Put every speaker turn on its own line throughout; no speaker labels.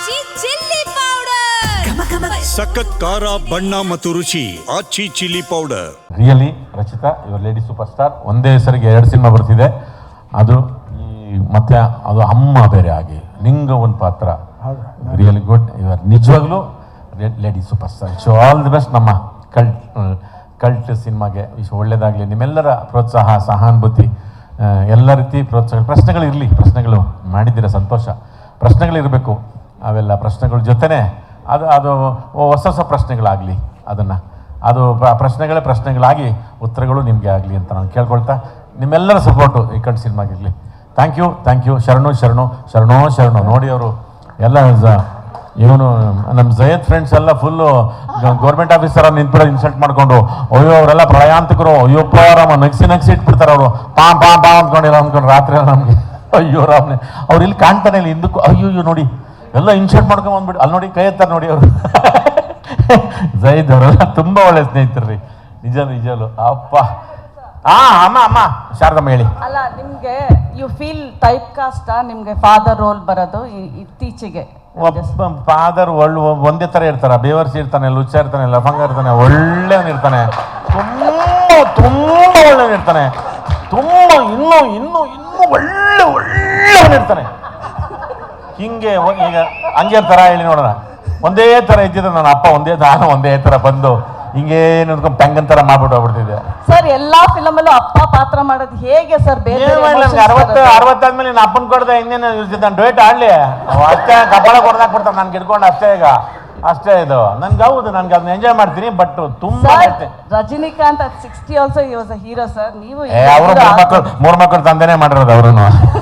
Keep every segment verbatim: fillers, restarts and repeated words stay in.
ಆಚಿ chilli powder.
ಸಖತ್ ಖಾರ ಬಣ್ಣ ಮತ್ತು ರುಚಿ Aachi chilli powder.
Really Rachita ಇವರು ಲೇಡಿ ಸೂಪರ್ ಸ್ಟಾರ್. ಒಂದೇ ಹೆಸರಿಗೆ ಎರಡು ಸಿನಿಮಾ ಬರ್ತಿದೆ. ಅದು ಈ ಮತ್ತೆ ಅದು ಅಮ್ಮ ಬೇರೆ ಆಗಿ ನಿಂಗ ಒಂದು ಪಾತ್ರ ರಿಯಲಿ ಗುಡ್. ಇವರು ನಿಜವಾಗ್ಲೂ lady super star. So all the best. ನಮ್ಮ ಕಲ್ಟ್ ಕಲ್ಟ್ ಸಿನಿಮಾಗೆ ಇಷ್ಟು ಒಳ್ಳೇದಾಗಲಿ. ನಿಮ್ಮೆಲ್ಲರ ಪ್ರೋತ್ಸಾಹ, ಸಹಾನುಭೂತಿ, ಎಲ್ಲ ರೀತಿ ಪ್ರೋತ್ಸಾಹ. ಪ್ರಶ್ನೆಗಳಿರಲಿ, ಪ್ರಶ್ನೆಗಳು ಮಾಡಿದ್ದೀರ ಸಂತೋಷ. ಪ್ರಶ್ನೆಗಳಿರಬೇಕು. ಅವೆಲ್ಲ ಪ್ರಶ್ನೆಗಳ ಜೊತೆನೇ ಅದು ಅದು ಹೊಸ ಹೊಸ ಪ್ರಶ್ನೆಗಳಾಗಲಿ. ಅದನ್ನು ಅದು ಪ್ರಶ್ನೆಗಳೇ ಪ್ರಶ್ನೆಗಳಾಗಿ ಉತ್ತರಗಳು ನಿಮಗೆ ಆಗಲಿ ಅಂತ ನಾನು ಕೇಳ್ಕೊಳ್ತಾ, ನಿಮ್ಮೆಲ್ಲರ ಸಪೋರ್ಟು ಈ ಕಲ್ಟ್ ಸಿನಿಮಾಗಿರಲಿ. Thank you thank you. ಶರಣು ಶರಣು ಶರಣೋ ಶರಣು. ನೋಡಿ ಅವರು ಎಲ್ಲ ಇವನು ನಮ್ಮ ಜಯದ್ ಫ್ರೆಂಡ್ಸ್ ಎಲ್ಲ ಫುಲ್ಲು ಗೌರ್ಮೆಂಟ್ ಆಫೀಸರ ನಿಂತ್ಬಿಡೋ ಇನ್ಸಲ್ಟ್ ಮಾಡಿಕೊಂಡು, ಅಯ್ಯೋ ಅವರೆಲ್ಲ ಪ್ರಯಾಣಿಕರು, ಅಯ್ಯೋಪ್ಪ ರಾಮ ನಗ್ಸಿ ನಗ್ಸಿ ಇಟ್ಬಿಡ್ತಾರೆ ಅವರು. ಪಾಂ ಪಾಂ ಪಾಂ ಅಂದ್ಕೊಂಡಿಲ್ಲ ಅಂದ್ಕೊಂಡು ರಾತ್ರಿ ನಮಗೆ ಅಯ್ಯೋ ರಾಮನೆ ಅವ್ರು ಇಲ್ಲಿ ಕಾಣ್ತಾನೆ ಇಲ್ಲ ಹಿಂದಕ್ಕೂ. ಅಯ್ಯೋ ಅಯ್ಯೋ ನೋಡಿ ಎಲ್ಲ ಇನ್ಸಲ್ಟ್ ಮಾಡ್ಕೊಂಡು ಬಂದ್ಬಿಟ್ಟು ಅಲ್ಲಿ ನೋಡಿ ಕೈ ಎತ್ತಾರೆ ನೋಡಿ ಅವರು. ಜಯದ್ ಅವರೆಲ್ಲ ತುಂಬ ಒಳ್ಳೆ ಸ್ನೇಹಿತರು ರೀ. ನಿಜ ನಿಜಲು ಅಪ್ಪ. ಹಾ ಅಮ್ಮ ಅಮ್ಮ ಶಾರದಮ್ಮ ಹೇಳಿ.
ಅಲ್ಲ, ನಿಮ್ಗೆ ಯು ಫೀಲ್ ಟೈಪ್ ಕಾಸ್ಟ್ ನಿಮ್ಗೆ ಫಾದರ್ ರೋಲ್ ಬರೋದು ಇತ್ತೀಚೆಗೆ?
ಒಬ್ಬ ಫಾದರ್ ಒಳ್ಳೆ ಒಂದೇ ಥರ ಇರ್ತಾರ. ಬೇವರ್ಸಿ ಇರ್ತಾನೆ, ಲುಚ್ಚ ಇರ್ತಾನೆ, ಲಫಂಗ ಇರ್ತಾನೆ, ಒಳ್ಳೆಯವನಿರ್ತಾನೆ, ತುಂಬ ತುಂಬ ಒಳ್ಳೆಯವನಿರ್ತಾನೆ, ತುಂಬ ಇನ್ನೂ ಇನ್ನೂ ಇನ್ನೂ ಒಳ್ಳೆ ಒಳ್ಳೆಯವನಿರ್ತಾನೆ. ಹಿಂಗೆ ಈಗ ಹಂಗೆ ಥರ ಹೇಳಿ ನೋಡೋಣ. ಒಂದೇ ಥರ ಇದ್ದಿದ್ರೆ ನನ್ನ ಅಪ್ಪ ಒಂದೇ ನಾನು ಒಂದೇ ಥರ ಬಂದು ಹಿಂಗೆ ನಿಂತ್ಕೊಂಡು ಪೆಂಗನ್ ಥರ ಮಾಡ್ಬಿಟ್ಟು ಹೋಗ್ಬಿಡ್ತಿದ್ದೆ.
ಸರ್ ಎಲ್ಲಾ ಫಿಲಮ್ ಅಲ್ಲೂ ಅಪ್ಪ ಪಾತ್ರ ಮಾಡೋದು ಹೇಗೆ ಸರ್? ಬೇರೆ
ಅರವತ್ತು ಅರವತ್ತಾದ್ಮೇಲೆ ನಾನು ಅಪ್ಪನ ಕೊಡ್ದೆ ಇನ್ನೇನು ನಾನು ಡೇಟ್ ಆಡ್ಲಿ ಅಷ್ಟೇ. ಕಬ್ಬಳ ಕೊಡ್ದಾಕ್ಬಿಡ್ತಾನೆ ನಾನು ಗಿಡ್ಕೊಂಡು ಅಷ್ಟೇ. ಈಗ ಅಷ್ಟೇ ಇದು ನನ್ಗೆ ಹೌದು, ನನ್ಗೆ ಅದನ್ನ ಎಂಜಾಯ್ ಮಾಡ್ತೀನಿ. ಬಟ್ ತುಂಬಾ
Rajinikanth at sixty also he was a hero sir. ನೀವು
ಅವರು ಮೂರು ಮಕ್ಕಳು ಮೂರು ಮಕ್ಕಳು ತಂದೆನೇ ಮಾಡಿರೋದು. ಅವರು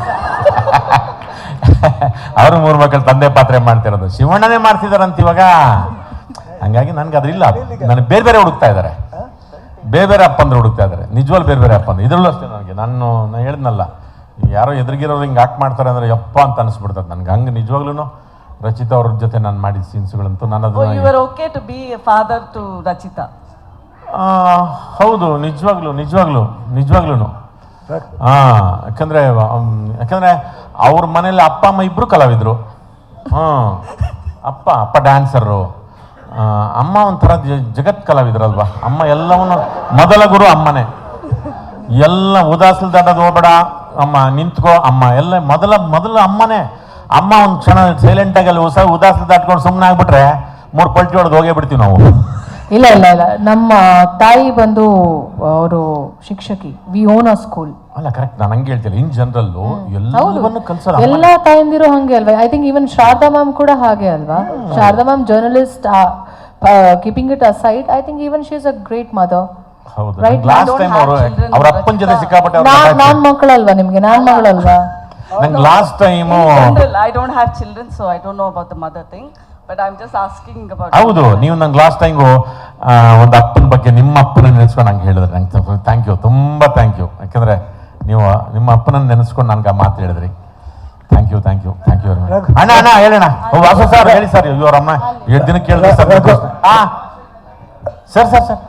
ಅವರು ಮೂರು ಮಕ್ಕಳು ತಂದೆ ಪಾತ್ರೆ ಮಾಡ್ತಿರೋದು. ಶಿವಣ್ಣನೇ ಮಾಡ್ತಿದಾರಂತ ಇವಾಗ. ಹಂಗಾಗಿ ನನ್ಗೆ ಅದ್ರಿಲ್ಲ. ನನಗೆ ಬೇರೆ ಬೇರೆ ಹುಡುಕ್ತಾ ಇದ್ದಾರೆ, ಬೇರೆ ಬೇರೆ ಅಪ್ಪಂದ್ರೆ ಹುಡುಕ್ತಾ ಇದ್ದಾರೆ. ನಿಜವಾಗ್ಲೂ ಬೇರೆ ಬೇರೆ ಅಪ್ಪಂದ್ರೆ. ಇದ್ರಲ್ಲೂ ಅಷ್ಟೇ ನನಗೆ ನಾನು ನಾನು ಹೇಳಿದ್ನಲ್ಲ, ಯಾರೋ ಎದುರಿಗಿರೋರು ಹಿಂಗೆ ಆಕ್ಟ್ ಮಾಡ್ತಾರೆ ಅಂದರೆ ಯಪ್ಪ ಅಂತ ಅನಿಸ್ಬಿಡ್ತದೆ ನನಗೆ. ಹಂಗೆ ನಿಜವಾಗ್ಲೂ ರಚಿತಾ ಅವ್ರ ಜೊತೆ ನಾನು ಮಾಡಿದ ಸೀನ್ಸ್ಗಳಂತೂ ನಾನು ಅದನ್ನ
okay to be father to Rachita.
ಹೌದು, ನಿಜವಾಗ್ಲೂ ನಿಜವಾಗ್ಲೂ ನಿಜವಾಗ್ಲೂ ಹಾಂ. ಯಾಕಂದರೆ ಯಾಕಂದರೆ ಅವ್ರ ಮನೇಲಿ ಅಪ್ಪ ಅಮ್ಮ ಇಬ್ಬರು ಕಲಾವಿದರು. ಹಾಂ, ಅಪ್ಪ ಅಪ್ಪ ಡ್ಯಾನ್ಸರು, ಅಮ್ಮ ಒಂಥರ ಜಗತ್ ಕಲಾವಿದ್ರಲ್ವಾ. ಅಮ್ಮ ಎಲ್ಲವನ್ನು ಮೊದಲ ಗುರು ಅಮ್ಮನೇ. ಎಲ್ಲ ಉದಾಸಲ್ ದಾಟೋದು ಹೋಗ್ಬೇಡ ಅಮ್ಮ, ನಿಂತ್ಕೋ ಅಮ್ಮ, ಎಲ್ಲ ಮೊದಲ ಮೊದಲ ಅಮ್ಮನೇ. ಅಮ್ಮ ಒಂದು ಕ್ಷಣ ಸೈಲೆಂಟಾಗಿ ಅಲ್ಲಿ ಹೊಸ ಉದಾಸಲ್ ದಾಟ್ಕೊಂಡು ಸುಮ್ಮನೆ ಆಗ್ಬಿಟ್ರೆ ಮೂರು ಪಲ್ಟಿ ಹೊಡೆದು ಹೋಗೇ ಬಿಡ್ತೀವಿ ನಾವು.
ಇಲ್ಲ ಇಲ್ಲ ಇಲ್ಲ, ನಮ್ಮ ತಾಯಿ ಬಂದು ಅವರು ಶಿಕ್ಷಕಿ. We own a school.
ಅಲ್ಲ ಕರೆಕ್ಟ್, ನಾನು ಹಂಗೆ ಹೇಳ್ತಿಲ್ಲ. ಇನ್ ಜನರಲ್ ಎಲ್ಲವನ್ನೂ ಕಲ್ಸಲ್ಲ.
ಎಲ್ಲ ತಾಯಂದಿರು ಹಂಗೆ ಅಲ್ವಾ? I think even Sharada ma'am ಕೂಡ ಹಾಗೆ ಅಲ್ವಾ? Sharada ma'am journalist, keeping it aside, I think even she is a great mother.
ಹೌದು, ಲಾಸ್ಟ್ ಟೈಮ್ ಅವರು ಅವ್ರ ಅಪ್ಪನ ಜೊತೆ ಸಿಕ್ಕಾಪಟ್ಟೆ.
ನಾನ್ ಮಕ್ಕಳಲ್ವಾ ನಿಮ್ಗೆ? ನಾನ್ ಮಗಳಲ್ವಾ?
ನಂಗೆ last time
I don't have children, so I don't know about the mother thing. But I am just asking about.
ಹೌದು, ನೀವು ನಂಗೆ ಲಾಸ್ಟ್ ಟೈಮು ಒಂದು ಅಪ್ಪನ ಬಗ್ಗೆ, ನಿಮ್ಮ ಅಪ್ಪನ ನೆನೆಸ್ಕೊಂಡು ನಂಗೆ ಹೇಳಿದ್ರೆ ನಂಗೆ ಥ್ಯಾಂಕ್ ಯು, ತುಂಬ ಥ್ಯಾಂಕ್ ಯು. ಯಾಕಂದರೆ ನೀವು ನಿಮ್ಮ ಅಪ್ಪನನ್ನು ನೆನೆಸ್ಕೊಂಡು ನನಗೆ ಆ ಮಾತು ಹೇಳಿದ್ರಿ. Thank you thank you thank you very much. ಅಣ್ಣ ಅಣ್ಣ ಹೇಳೋಣ. ವಾಸು ಸರ್ ಹೇಳಿ ಸರ್. ಇವ್ರ ಅಮ್ಮ ಎರಡು ದಿನಕ್ಕೆ ಕೇಳಿದ್ರೆ ಸರ್. ಹಾಂ ಸರ್ ಸರ್ ಸರ್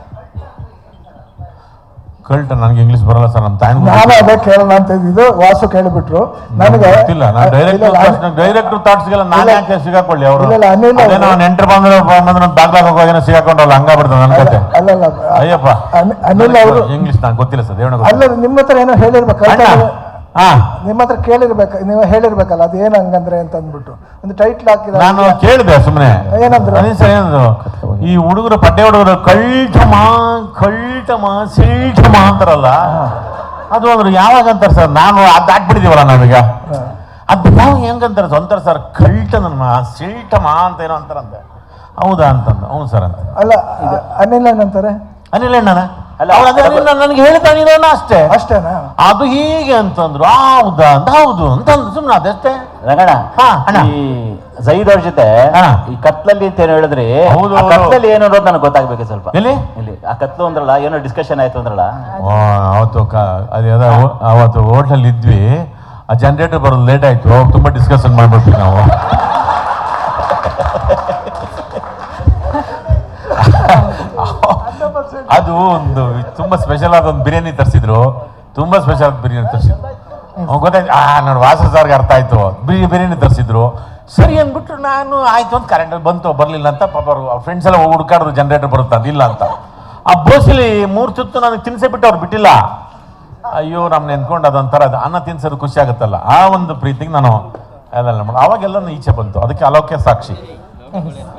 ಕಲ್ಟ್ ನನಗೆ ಇಂಗ್ಲೀಷ್ ಬರಲ್ಲ ಸರ್. ನಮ್ಮ ತಾಯಿ
ನಾನು ಅದೇ ಕೇಳೋಣ ಅಂತ ಇದ್ದಿದ್ದು, ವಾಸು ಕೇಳಿಬಿಟ್ರು. ನನಗೆ
ಗೊತ್ತಿಲ್ಲ. ನಾನು ಡೈರೆಕ್ಟ್ ಡೈರೆಕ್ಟ್ ಥಾಟ್ಸ್ಗೆಲ್ಲ ನಾನು ಯಾಕೆ ಸಿಗಾಕೊಳ್ಳಿ? ಅವರು ಅದೇನೋ ನೆಂಟರು ಬಂದ್ರೆ ಬಂದ್ರೆ ಬಾಗ್ಲಾಗ ಹೋಗೋದೇನೋ ಸಿಗಾಕೊಂಡಲ್ಲ, ಹಂಗಾಗ್ಬಿಡ್ತದೆ ನನ್ನ ಕತೆ.
ಅಲ್ಲಲ್ಲ
ಅಯ್ಯಪ್ಪ
ಅನಿಲ್ ಅವರು
ಇಂಗ್ಲೀಷ್ ನಂಗೆ ಗೊತ್ತಿಲ್ಲ ಸರ್. ಹೇಳೋಣ.
ಅಲ್ಲ, ನಿಮ್ಮ ಹತ್ರ ಏನೋ ಹೇಳಿರ್ಬೇಕು,
ಹಾ
ನಿಮ್ಮ ಹತ್ರ ಕೇಳಿರ್ಬೇಕು, ನೀವು ಹೇಳಿರ್ಬೇಕಲ್ಲ ಅದು ಏನು ಹಂಗಂದ್ರೆ ಅಂತ ಅಂದ್ಬಿಟ್ಟು ಒಂದು ಟೈಟ್ಲ್ ಹಾಕಿದ.
ನಾನು ಕೇಳಿದೆ ಸುಮ್ಮನೆ.
ಏನಂದ್ರೆ
ಏನಂದ್ರು ಈ ಹುಡುಗರು ಪಡ್ಡೆ ಹುಡುಗರು ಕಳ್ಟಮ ಕಳ್ಟಮ ಸಿಳ್ಟಮ ಅಂತಾರಲ್ಲ, ಅದು ಅಂದ್ರು ಯಾವಾಗ ಅಂತಾರೆ ಸರ್? ನಾನು ಅದು ಹಾಕ್ಬಿಟ್ಟಿದೀವಲ್ಲ ನಾವೀಗ. ಅದು ಯಾವ ಹೆಂಗಂತಾರೆ ಅಂತಾರೆ ಸರ್, ಕಳ್ಟನಮ್ಮ ಸಿಳ್ಟಮ ಅಂತ ಏನೋ ಅಂತಾರಂತೆ. ಹೌದಾ ಅಂತಂದು. ಹೌದು ಸರ್ ಅಂತ.
ಅಲ್ಲ, ಅನಿಲ್ ಏನಂತಾರೆ?
ಅನಿಲ್ ಅಣ್ಣನ ನನಗೆ ಹೇಳ್ತಾನಿರೋಣ ಅಷ್ಟೇ.
ಅಷ್ಟೇನಾ?
ಅದು ಹೀಗೆ ಅಂತಂದ್ರು. ಹೌದಾ ಅಂತ. ಹೌದು ಅಂತಂದ್ರು ಸುಮ್ಮನೆ ಅದಷ್ಟೇ.
ರಂಗಣ್ಣ, ಈ ಜೈದ್ ಅವ್ರ ಜೊತೆ ಈ ಕತ್ಲಲ್ಲಿ ಅಂತ ಏನೋ ಹೇಳಿದ್ರಿ. ಕತ್ಲಲ್ಲಿ ಏನು ಅನ್ನೋದು ನನಗೆ ಗೊತ್ತಾಗ್ಬೇಕು ಸ್ವಲ್ಪ. ಇಲ್ಲಿ ಇಲ್ಲಿ ಆ ಕತ್ಲು ಅಂದ್ರಲ್ಲ, ಏನೋ ಡಿಸ್ಕಷನ್ ಆಯ್ತು ಅಂದ್ರಲ್ಲ
ಅವತ್ತು. ಅದೇ ಅವತ್ತು ಹೋಟ್ಲಲ್ಲಿ ಇದ್ವಿ. ಆ ಜನರೇಟರ್ ಬರೋದು ಲೇಟ್ ಆಯ್ತು, ತುಂಬಾ ಡಿಸ್ಕಷನ್ ಮಾಡ್ಬಿಟ್ವಿ ನಾವು. ಅದು ಒಂದು ತುಂಬಾ ಸ್ಪೆಷಲ್ ಆದ ಒಂದು ಬಿರಿಯಾನಿ ತರಿಸಿದ್ರು. ತುಂಬಾ ಸ್ಪೆಷಲ್ ಆದ ಬಿರಿಯಾನಿ ತರಿಸಿದ್ರು. ಗೊತ್ತಾಯ್ತು. ಆ ನೋಡಿ ವಾಸ ಸರ್ಗೆ ಅರ್ಥ ಆಯ್ತು. ಬಿರಿ ಬಿರಿಯಾನಿ ತರಿಸಿದ್ರು ಸರಿ ಅಂದ್ಬಿಟ್ರು. ನಾನು ಆಯ್ತು ಅಂತ ಕರೆಂಟ್ ಬಂತು ಬರಲಿಲ್ಲ ಅಂತ ಪಾಪ ಅವ್ರ ಫ್ರೆಂಡ್ಸ್ ಎಲ್ಲ ಹುಡುಕಾಡಿದ್ರು ಜನರೇಟರ್ ಬರುತ್ತೆ ಅಂತ ಇಲ್ಲ ಅಂತ. ಆ ಬೋಸಲಿ ಮೂರು ತುತ್ತು ನನಗೆ ತಿನ್ಸೇ ಬಿಟ್ಟು ಅವ್ರು ಬಿಟ್ಟಿಲ್ಲ. ಅಯ್ಯೋ ನಮ್ನ ನೆನ್ಕೊಂಡು ಅದೊಂಥರ ಅದು ಅನ್ನ ತಿನ್ಸೋದು ಖುಷಿ ಆಗುತ್ತಲ್ಲ, ಆ ಒಂದು ಪ್ರೀತಿಗೆ ನಾನು ಅದೆಲ್ಲ ಮಾಡಿ ಅವಾಗೆಲ್ಲ ಈಚೆ ಬಂತು. ಅದಕ್ಕೆ ಅಲೋಕ್ಯ ಸಾಕ್ಷಿ.